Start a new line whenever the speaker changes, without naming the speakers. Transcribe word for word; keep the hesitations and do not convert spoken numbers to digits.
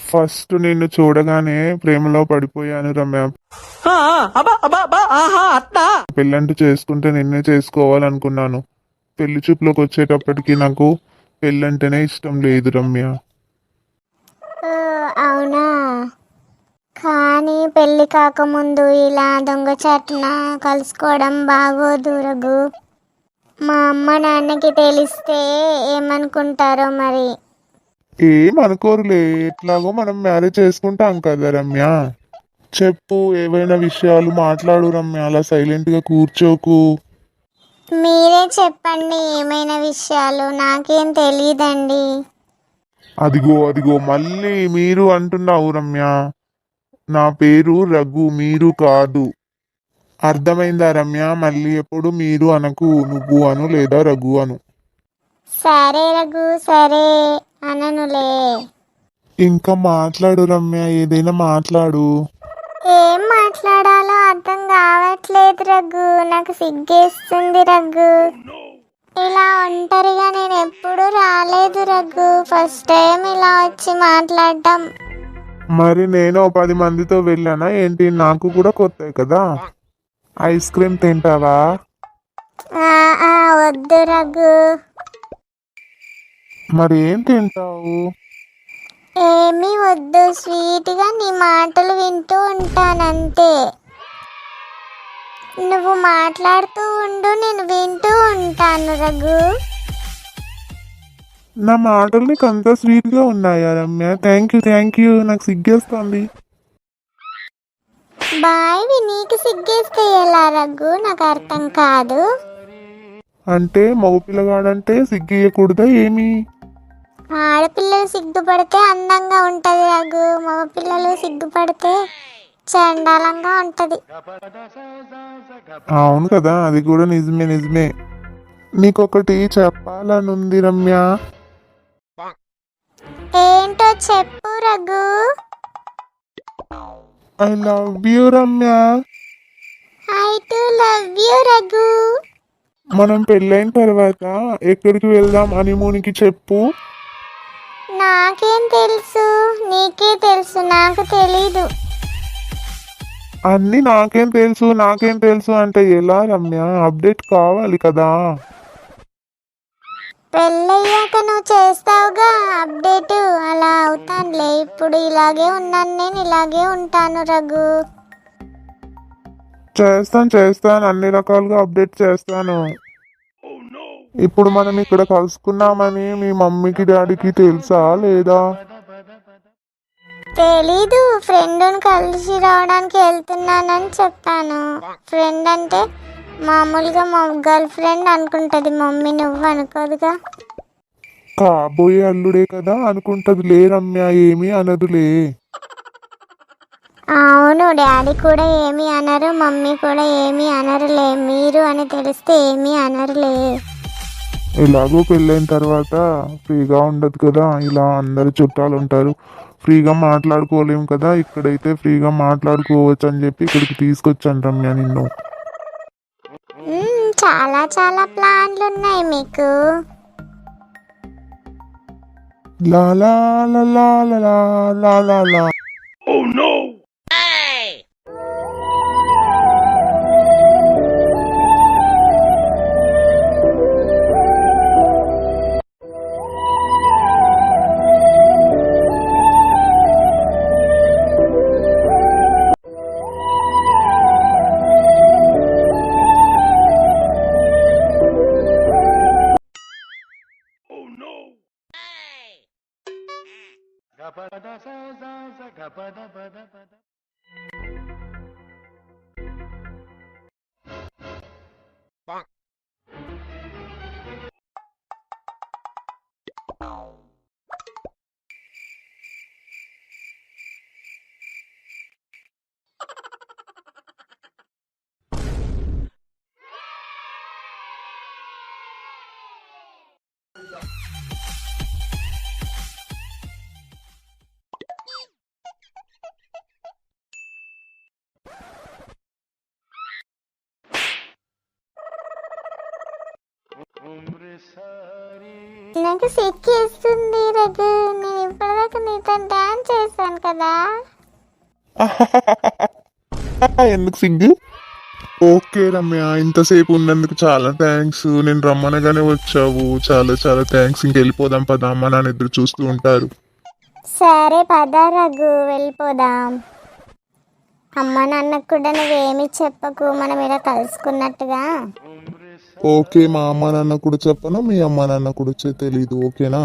First నిన్ను చూడగానే ప్రేమలో పడిపోయాను రమ్య. పెళ్ళంటూ చేసుకుంటే నిన్నే చేసుకోవాలనుకున్నాను. పెళ్లి చూపులోకి వచ్చేటప్పటికి నాకు పెళ్ళంటేనే ఇష్టం లేదు రమ్య.
ఓ, అవునా? కానీ పెళ్లి కాకముందు ఇలా దొంగచాటున కలుసుకోవడం బాగోదు రఘు. మా అమ్మ నాన్నకి తెలిస్తే ఏమనుకుంటారో మరి.
ఏమనుకోరులే, ఎట్లాగో మనం మ్యారేజ్ చేసుకుంటాం కదా రమ్య. చెప్పు, ఏవైనా విషయాలు మాట్లాడు రమ్య, అలా సైలెంట్ గా కూర్చోకు.
మీరే చెప్పండి ఏమైనా విషయాలు, నాకేం తెలియదండి.
అదిగో అదిగో మళ్ళీ మీరు అంటున్నావు రమ్య. నా పేరు రఘు, మీరు కాదు. అర్థమైందా రమ్య? మళ్ళీ ఎప్పుడు మీరు అనకు, నువ్వు అను లేదా రఘు అను.
సరే రఘు, సరే అననులే.
ఇంకా మాట్లాడు రమ్య, ఏదైనా మాట్లాడు.
ఏం మాట్లాడాలో అర్థం కావట్లేదు రఘు, నాకు సిగ్గేస్తుంది రఘు. ఇలా ఒంటరిగా నేను ఎప్పుడు రాలేదు రఘు, ఫస్ట్ టైం ఇలా వచ్చి మాట్లాడటం.
మరి నేను ఓ పది మందితో వెళ్ళానా ఏంటి? నాకు కూడా కొత్త కదా. ఐస్ క్రీమ్ తింటావా?
ఆ, ఆ, వద్దు రఘు.
మరి ఏం తింటావు?
ఏమీ వద్దు, స్వీట్గా నీ మాటలు వింటూ ఉంటానంతే. నువ్వు మాట్లాడుతూ ఉండు, నేను వింటూ ఉంటాను రఘు.
నా మాటలు నీకు అంత స్వీట్ గా ఉన్నాయా Ramya? Thank you thank you, నాకు సిగ్గేస్తుంది.
బాయ్వి నీకు సిగ్గేస్తే ఎలా రఘు, నాకు అర్థం కాదు.
అంటే మగ పిల్లగాడంటే సిగ్గేయకూడదా ఏమి?
ఆడపిల్లలు సిగ్గుపడితే అందంగా ఉంటది రఘు, మగ పిల్లలు సిగ్గుపడితే చండాలంగా ఉంటది.
అవును కదా, అది కూడా నిజమే నిజమే. నీకొకటి చెప్పాలనుంది రమ్య.
ఏంటో చెప్పు Raghu.
I love you Ramya.
I too love you Raghu.
మనం పెళ్ళైన తర్వాత ఎక్కడికి వెళ్దాం హనీమూన్కి చెప్పు.
నాకేం తెలుసు, నీకే తెలుసు, నాకు తెలీదు.
అన్ని నాకేం తెలుసు నాకేం తెలుసు అంటే ఎలా రమ్య? అప్డేట్ కావాలి కదా.
పెళ్ళయ్యాక నువ్వు చేస్తావుగా అప్డేట్, అలా అవుతానులే. ఇప్పుడు ఇలాగే ఉన్నాను, నేను ఇలాగే ఉంటాను రఘు.
చేస్తాను చేస్తాను అన్ని రకాలుగా అప్డేట్ చేస్తాను. ఇప్పుడు మనం ఇక్కడ కలుసుకున్నామని మీ మమ్మీకి డాడీకి తెలుసా లేదా?
తెలీదు, ఫ్రెండ్ని కలిసి రావడానికి వెళ్తున్నానని చెప్పాను. ఫ్రెండ్ అంటే మామూలుగా మా గర్ల్ ఫ్రెండ్ అనుకుంటది మమ్మీ, నువ్వు అనుకోదుగా.
కాబోయే అల్లుడే కదా అనుకుంటది లే రమ్య, ఏమీ అనదులే.
అవును, డాడీ కూడా ఏమీ అనరు, మమ్మీ కూడా ఏమీ అనరులే. మీరు అని తెలిస్తే ఏమీ అనరులే.
ఎలాగో పెళ్ళైన తర్వాత ఫ్రీగా ఉండదు కదా, ఇలా అందరు చుట్టాలు ఉంటారు, ఫ్రీగా మాట్లాడుకోలేము కదా. ఇక్కడైతే ఫ్రీగా మాట్లాడుకోవచ్చు అని చెప్పి ఇక్కడికి తీసుకొచ్చాను రమ్య నిన్ను.
మ్మ్, చాలా చాలా ప్లాన్లు ఉన్నాయి మీకు.
లా లా లా లా లా లా లా లా.
నాకు సిక్కేస్తుంది రఘు, నేను ఇప్పటిదాకా ఇందాక నీతో డాన్స్ చేశాను కదా.
ఎందుకు సిగ్గు? ఓకే రమ్య, ఇంతసేపు ఉన్నందుకు చాలా థ్యాంక్స్. నేను రమ్మనగానే వచ్చావు, చాలా చాలా థ్యాంక్స్. ఇంకెళ్ళిపోదాం పదా, అమ్మ నాన్న ఎదురు చూస్తూ ఉంటారు.
సరే పద రఘు వెళ్ళిపోదాం. అమ్మ నాన్నకు కూడా నువ్వేమి చెప్పకు, మనం ఇలా కలుసుకున్నట్టుగా.
ఓకే, మా అమ్మ నాన్న కూడా చెప్పను, మీ అమ్మ నాన్న కూడా చె- తెలీదు. ఓకేనా?